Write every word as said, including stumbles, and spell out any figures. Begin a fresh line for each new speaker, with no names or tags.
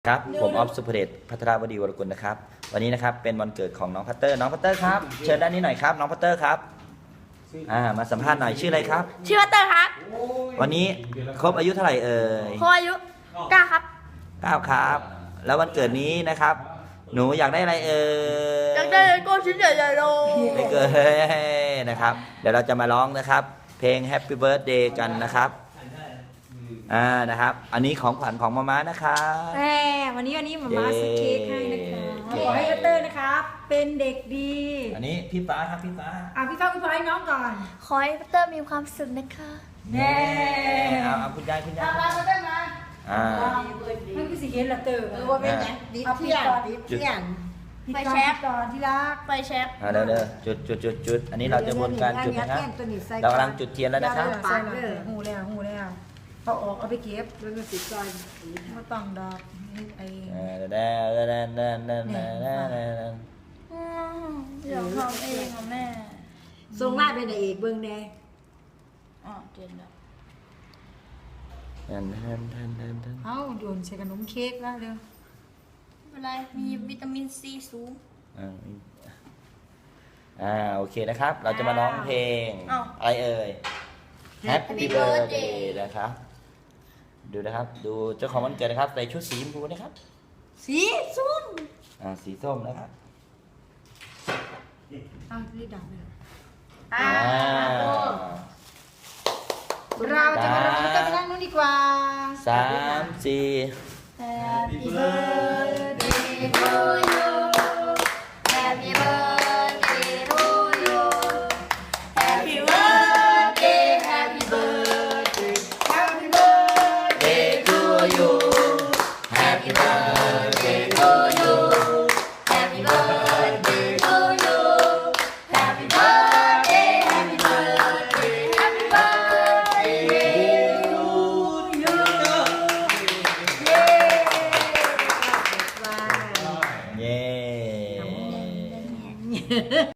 ครับผมออฟสุภเดชพัทรวดีวรกุลนะครับวันนี้นะครับเป็นวันเกิดของน้องพัตเตอร์น้องพัตเตอร์ครับเชิญด้านนี้หน่อยครับน้องพัตเตอร์ครับอ่ามาสัมภาษณ์หน่อยชื่ออะไรครับ
ชื่อวัตเตอร์ครับ
วันนี้ครบอายุเท่าไหร่เอ่ย
พออายุเก้าครับ
เก้าครับแล้ววันเกิดนี้นะครับหนูอยากได้อะไรเอ่ย
อยากได้โก้ชิ้นใหญ่ๆเลย
ไม่เกินนะครับเดี๋ยวเราจะมาร้องนะครับเพลง Happy Birthday กันนะครับอ่านะครับอันนี้ของขวัญของมาม่านะครับ
แม่วันนี้วันนี้หมาม่าซื้อเค้กให้นะคะขอให้พัตเตอร์นะครับเป็นเด็กดี
อันนี้พี่ฟ้าครับพี่ฟ้า
อ่ะพี่ฟ้าพี่ฟ้าให้น้องก่อน
ขอให้พัตเตอร์มีความสุขนะคะ
แน่
เอาเอาคุณยายคุณยาย
มาพัตเตอร์มา
อ่า
ให้พี่สิเห็นละเตอร์เออว่าเป็นไงดิเที่ยงดิเที่ยง
ไฟแช็ก
ก่อนที่รัก
ไฟแช็ก
อ่าเดี๋ยวเดี๋ยวจุดจุดจุดจุดอันนี้เราจะบนการจุดนะครับเรากำลังจุดเทียนแล้วนะครับ
ใส่เลยหูแล้วหูแล้วเอาออกเอาไปเก็บแล้วก็ติดจอยไม่ต้องดอกไอ้
เด้อเด้อเด้อเด้อเด้อเด้อเด้อเด้อเด้อ
อยากทำเองอ่ะแม่
ทรงหน้าเป็นเอกเบิ้งแน่
อ๋อเจ๋งแล้ว
เด้อเด้อเด้อเด้อเด้อ
เอ้าโยนใส่ขนมเค้กแล้วเร็ว
ไม่เป็นไรมีวิตามินซีสูง
อ่าอ่าโอเคนะครับเราจะมาร้องเพลงอะไรเอ่ย Happy Birthday นะครับดูนะครับดูเจ้าของวันเกิดนะครับใส่ชุดสีชมพูนะครับ
สีส้ม
อ่าสีส้มนะครับ
อ้าวรีบดับเลย
อ่า
เราจะมาเราจะไปนั่งนู้นดีกว่า
สามสี่
Happy birthday to you Happy birthday to you Happy birthday Happy birthday Happy birthday
to you
Happy birthday to you Happy birthday to you Happy birthday Happy birthday Happy birthday to you
เย้